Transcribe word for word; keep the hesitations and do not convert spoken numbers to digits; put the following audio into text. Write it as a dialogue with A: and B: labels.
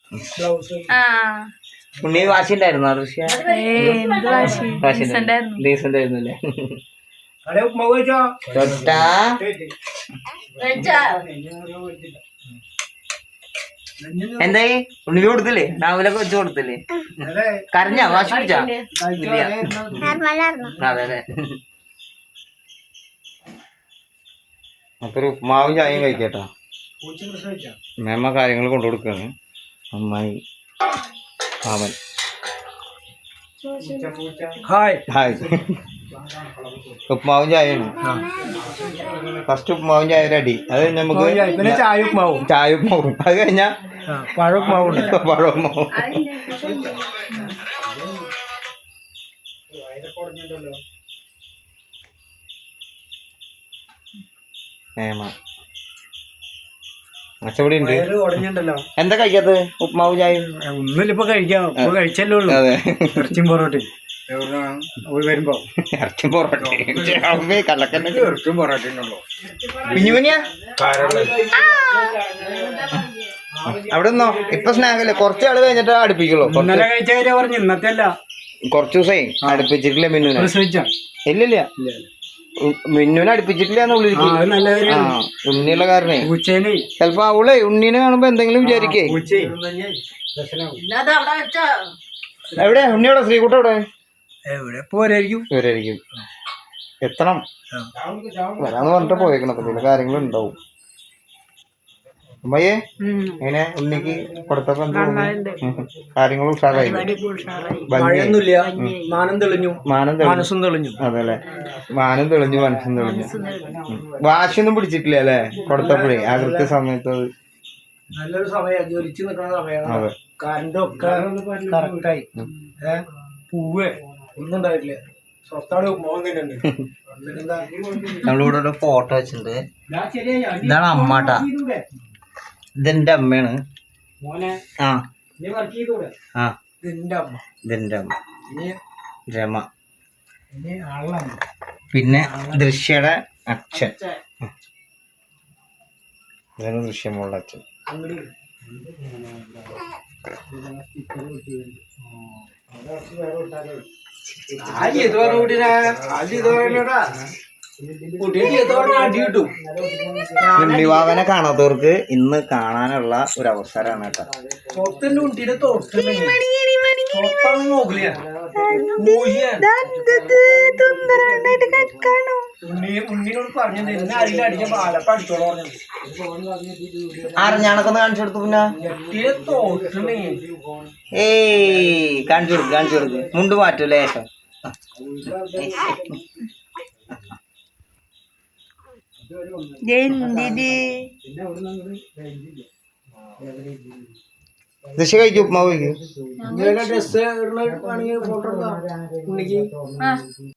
A: ഉണ്ണി വാശി ഉണ്ടായിരുന്നോ ഋഷ്യ? ഡീസന്റ് ആയിരുന്നല്ലേ? എന്തായി ഉണ്ണി കൊടുത്തില്ലേ? രാവിലൊക്കെ വെച്ച് കൊടുത്തില്ലേ? കരഞ്ഞാ? വാശി പിടിച്ചാ? അതെ അതെ. അപ്പൊ ഒരു ഉപ്മാവും ചായയും കഴിക്കട്ടോ. മേമ്മ കാര്യങ്ങൾ കൊണ്ടു കൊടുക്കാണ്. അമ്മായി അവൻ ഹായ് ഹായ്. ഉപ്മാവും ചായയാണ്. ഫസ്റ്റ് ഉപ്മാവും ചായ അടി. അത് നമുക്ക് ചായ ഉപ്മാവും ചായ ഉപ്മാവും അത് കഴിഞ്ഞാ പഴവുപ്മാവും പഴവുപ്മാവും. മേമ അച്ചപടി ഉണ്ട്. എന്താ കഴിക്കാത്ത? ഉപ്മാവും ചായ ഒന്നുമില്ല. ഇപ്പൊ കഴിക്കാം. കഴിച്ചല്ലേ ഉള്ളൂ. അതെ. ഇറച്ചിയും പൊറോട്ടയും വരുമ്പോ ഇറച്ചിയും പൊറോട്ടയും കള്ളക്കന്നെ ഇറച്ചിയും പൊറോട്ടയും പിഞ്ഞുപിഞ്ഞാ അവിടെ നിന്നോ. ഇപ്പൊ സ്നാക്കല്ലേ? കുറച്ച് ആള് കഴിഞ്ഞിട്ട് അടുപ്പിക്കുള്ളൂ. ഇന്നലെ കഴിച്ചവരെ പറഞ്ഞു. ഇന്നത്തെ അല്ല. കുറച്ച് ദിവസമായി അടുപ്പിച്ചിട്ടില്ല മിന്നുനെ. ഇല്ലില്ല മിന്നുനെ അടുപ്പിച്ചിട്ടില്ല. ഉണ്ണിയുള്ള കാരണേ ചെലപ്പോ അവളെ ഉണ്ണീനെ കാണുമ്പോ എന്തെങ്കിലും വിചാരിക്കേ. എവിടെ ഉണ്ണിയോടെ? ശ്രീകുട്ട എവിടെ? എവിടെ പോരായിരിക്കും. പോരായിരിക്കും. എത്തണം. വരാന്ന് പറഞ്ഞിട്ട് പോയേക്കണം. അപ്പൊ ചില കാര്യങ്ങളുണ്ടാവും. അമ്മയെ എങ്ങനെ ഉണ്ണിക്ക് കൊടുത്തപ്പോ എന്താ കാര്യങ്ങളും ഉഷാറായി? മാനം തെളിഞ്ഞു. മനസ്സും തെളിഞ്ഞു. അതെല്ലേ? മാനം തെളിഞ്ഞു മനസ്സും തെളിഞ്ഞു. വാശിയൊന്നും പിടിച്ചിട്ടില്ല അല്ലേ കൊടുത്തപ്പോഴേ? ആ കൃത്യ സമയത്ത് നല്ലൊരു സമയം ജ്വലിച്ചു നിൽക്കുന്ന സമയം. അതെ. കറണ്ടൊക്കെ കറക്റ്റായി. പൂവേ ഒന്നും ഉണ്ടായിട്ടില്ല. നമ്മളിവിടെ ഒരു ഫോട്ടോ വെച്ചിട്ടുണ്ട്. ഇതാണ് അമ്മാട്ടാ. ഇതെന്റെ അമ്മയാണ്. ആ ആ ഇതെന്റെ അമ്മ. രമ. പിന്നെ ദൃശ്യയുടെ അച്ഛൻ. ഇതാണ് ദൃശ്യമോളുടെ അച്ഛൻ. ഉണ്ണിവാവനെ കാണാത്തവർക്ക് ഇന്ന് കാണാനുള്ള ഒരു അവസരമാണ് കേട്ടോ. അറിഞ്ഞാണൊക്കെ കാണിച്ചു കൊടുത്തു. പിന്നെ ഏയ് കാണിച്ചു കൊടുക്ക് കാണിച്ചു കൊടുക്ക്. മുണ്ട് മാറ്റും ലേശം. ദശ കഴിക്കും. ഉപ്മാവ് കഴിക്കും.